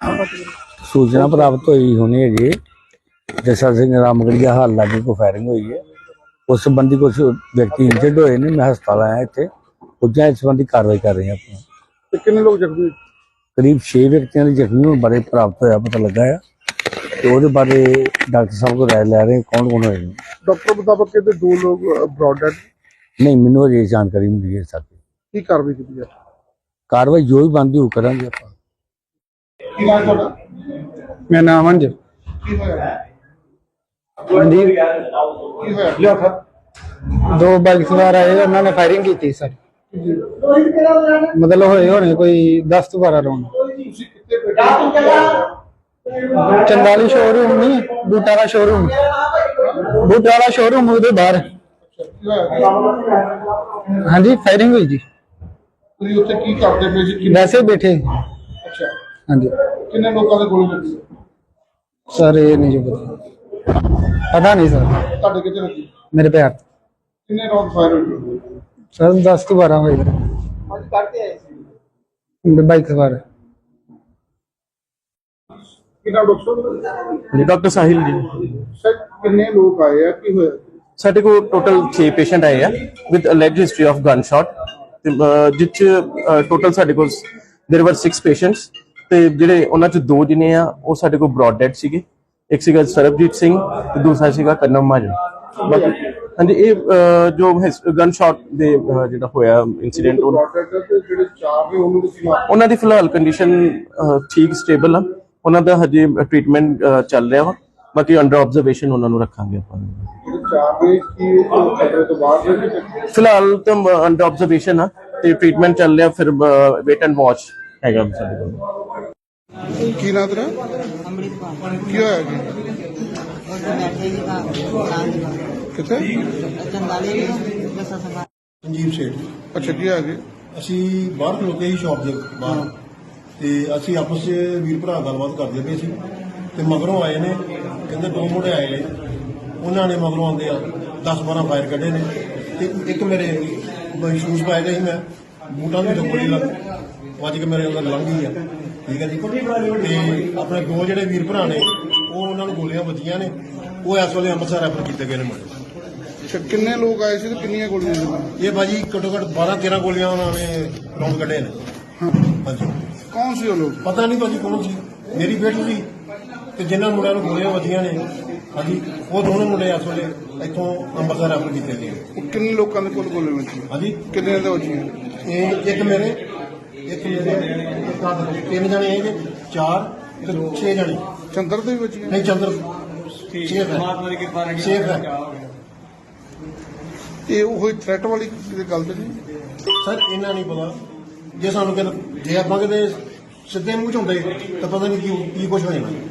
सूचना प्राप्त हुई होनी है जी जैसा सिंह रामगढ़िया हाल लागे को फायरिंग हुई है। उस संबंधी कुछ व्यक्ति इंजर्ड हुए ने। मैं हस्पताल आया इतने पुजा इस संबंधी कार्रवाई कर रहे हैं। अपना कितने लोग जख्मी? करीब 6 व्यक्तियों के जख्मी होने बारे प्राप्त होया पता लगा है। तो वो बारे डॉक्टर साहब को राय लै रहे हैं कौन कौन होए। डॉक्टर मुताबिक कहते 2 लोग ब्रॉड डेड। नहीं मैनू अजे जानकारी मिली है। साथ की कार्रवाई की है? कार्रवाई जो भी बनती हो करांगे आप। मेरा नाम अंज दो बाइक सवार आए उन्होंने फायरिंग की थी सर। मतलब होने कोई 10-12 राउंड। चंदाली शोरूम नहीं बूटा का शोरूम उहदे बाहर। हाँ जी फायरिंग हुई जी। वैसे ही बैठे। हाँ जी कितने लोगों ने गोली लगी? सर ये नहीं जो पता नहीं सर। ਤੁਹਾਡੇ ਕਿੱਥੇ ਲੱਗੀ? मेरे पैर कितने राउंड फायर हुए? सर 10-12 हुए ਅੱਜ ਕਰਦੇ ਆਏ ਸੀ बाइक सवार। ਕਿੰਨਾ ਡਾਕਟਰ? ਜੀ ਡਾਕਟਰ ਸਾਹਿਲ ਜੀ। ਸਰ ਕਿੰਨੇ ਲੋਕ ਆਏ ਆ ਕੀ ਹੋਇਆ? ਸਾਡੇ ਕੋਲ ਟੋਟਲ 6 ਪੇਸ਼ੈਂਟ ਆਏ ਆ with alleged history of gun shot ਜਿਸ ਟੋਟਲ ਸਾਡੇ ਕੋਲ देयर वर 6 ਪੇਸ਼ੈਂਟਸ ਤੇ ਜਿਹੜੇ ਉਹਨਾਂ ਚ 2 ਜਿਨੇ ਆ ਉਹ ਸਾਡੇ ਕੋਲ ਬ੍ਰੌਡ ਡੈਡ ਸੀਗੇ। ਇੱਕ ਸੀਗਾ ਸਰਬਜੀਤ ਸਿੰਘ ਤੇ ਦੂਸਰਾ ਸੀਗਾ ਕਰਨਮ ਮਾਜਨ। ਬਾਕੀ ਹਾਂਜੀ ਇਹ ਜੋ ਗਨ ਸ਼ਾਟ ਦੇ ਜਿਹੜਾ ਹੋਇਆ ਇਨਸੀਡੈਂਟ ਜਿਹੜੇ 4 ਨੇ ਉਹਨਾਂ ਦੀ ਫਿਲਹਾਲ ਕੰਡੀਸ਼ਨ ਠੀਕ ਸਟੇਬਲ ਆ। ਉਹਨਾਂ ਦਾ ਹਜੇ ਟ੍ਰੀਟਮੈਂਟ ਚੱਲ ਰਿਹਾ ਵਾ। ਬਾਕੀ ਅੰਡਰ ਆਬਜ਼ਰਵੇਸ਼ਨ ਉਹਨਾਂ ਨੂੰ ਰੱਖਾਂਗੇ ਆਪਾਂ। ਫਿਲਹਾਲ ਤਾਂ ਅੰਡਰ ਆਬਜ਼ਰਵੇਸ਼ਨ ਆ ਤੇ ਟ੍ਰੀਟਮੈਂਟ ਚੱਲ ਰਿਹਾ। ਫਿਰ ਵੇਟ ਐਂਡ ਵਾਚ ਹੈਗਾ ਸਾਡੇ ਕੋਲ। ਕੀ ਨਾਮ ਤੇਰਾ? ਕੀ ਹੋਇਆ ਜੀ? ਕਿੱਥੇ? ਸੰਜੀਵ ਸੇਠ। ਅੱਛਾ ਕੀ ਹੋਇਆ ਜੀ? ਅਸੀਂ ਬਾਹਰ ਖਲੋਤੇ ਸੀ ਸ਼ਾਪ ਦੇ ਬਾਹਰ ਤੇ ਅਸੀਂ ਆਪਸ 'ਚ ਵੀਰ ਭਰਾ ਗੱਲਬਾਤ ਕਰਦੇ ਪਏ ਸੀ ਤੇ ਮਗਰੋਂ ਆਏ ਨੇ ਕਹਿੰਦੇ 2 ਮੁੰਡੇ ਆਏ ਨੇ। ਉਹਨਾਂ ਨੇ ਮਗਰੋਂ ਆਉਂਦੇ ਆ 10-12 ਫਾਇਰ ਕੱਢੇ ਨੇ ਤੇ ਇੱਕ ਮੇਰੇ ਸ਼ੂਜ਼ ਪਾਏ ਦੇ ਸੀ ਮੈਂ ਬੂਟਾਂ ਦੀ ਗੋਲੀ ਲੱਗ ਵੱਜ ਕੇ ਮੇਰੇ ਅੰਦਰ ਲੰਘ ਗਈ ਆ। ਠੀਕ ਹੈ ਜੀ। ਤੇ ਆਪਣੇ 2 ਜਿਹੜੇ ਵੀਰ ਭਰਾ ਨੇ ਉਹ ਉਹਨਾਂ ਨੂੰ ਗੋਲੀਆਂ ਵੱਜੀਆਂ ਨੇ। ਉਹ ਇਸ ਵੇਲੇ ਅੰਮ੍ਰਿਤਸਰ ਰੈਫਰ ਕੀਤੇ ਗਏ ਨੇ ਮੁੰਡੇ। ਅੱਛਾ ਕਿੰਨੇ ਲੋਕ ਆਏ ਸੀ ਤੇ ਕਿੰਨੀਆਂ ਗੋਲੀਆਂ ਸੀ? ਇਹ ਬਾਜੀ ਘੱਟੋ ਘੱਟ 12-13 ਗੋਲੀਆਂ ਉਹਨਾਂ ਨੇ ਰਾਉਂਡ ਕੱਢੇ ਨੇ। ਹਾਂਜੀ ਕੌਣ ਸੀ ਉਹ ਲੋਕ? ਪਤਾ ਨਹੀਂ ਭਾਜੀ ਕੌਣ ਸੀ। ਮੇਰੀ ਬੇਟੀ ਸੀ ਤੇ ਜਿਨ੍ਹਾਂ ਮੁੰਡਿਆਂ ਨੂੰ ਗੋਲੀਆਂ ਵੱਜੀਆਂ ਨੇ ਹਾਂਜੀ ਉਹ ਦੋਨੋਂ ਮੁੰਡੇ ਇਸ ਵੇਲੇ ਇੱਥੋਂ ਅੰਮ੍ਰਿਤਸਰ ਰੈਫਰ ਕੀਤੇ ਗਏ। ਉਹ ਕਿੰਨੇ ਲੋਕਾਂ ਦੇ ਕੋਲ ਗੋਲੀਆਂ ਵੱਜੀਆਂ? ਹਾਂਜੀ ਕਿੰਨੇ ਦੇ ਵੱਜੀਆਂ? ਇਹ ਇੱਕ ਮੇਰੇ 3 ਜਣੇ ਹੈਗੇ 4 ਤੇ 6 ਜਣੇ। ਚੰਦਰ ਦੇ ਵੀ ਵੱਜੀਆਂ? ਨਹੀਂ ਚੰਦਰ ਸੇਫ ਹੈ। ਇਹ ਉਹ ਥ੍ਰੈਟ ਵਾਲੀ ਗੱਲ ਤੇ ਨਹੀਂ ਸਰ ਇਹਨਾਂ ਨਹੀਂ ਪਤਾ। ਜੇ ਸਾਨੂੰ ਕਹਿੰਦੇ ਜੇ ਆਪਾਂ ਕਿਤੇ ਸਿੱਧੇ ਮੂੰਹ ਚ ਹੁੰਦੇ ਤਾਂ ਪਤਾ ਨਹੀਂ ਕੀ ਕੁਝ ਹੋ ਜਾਣਾ।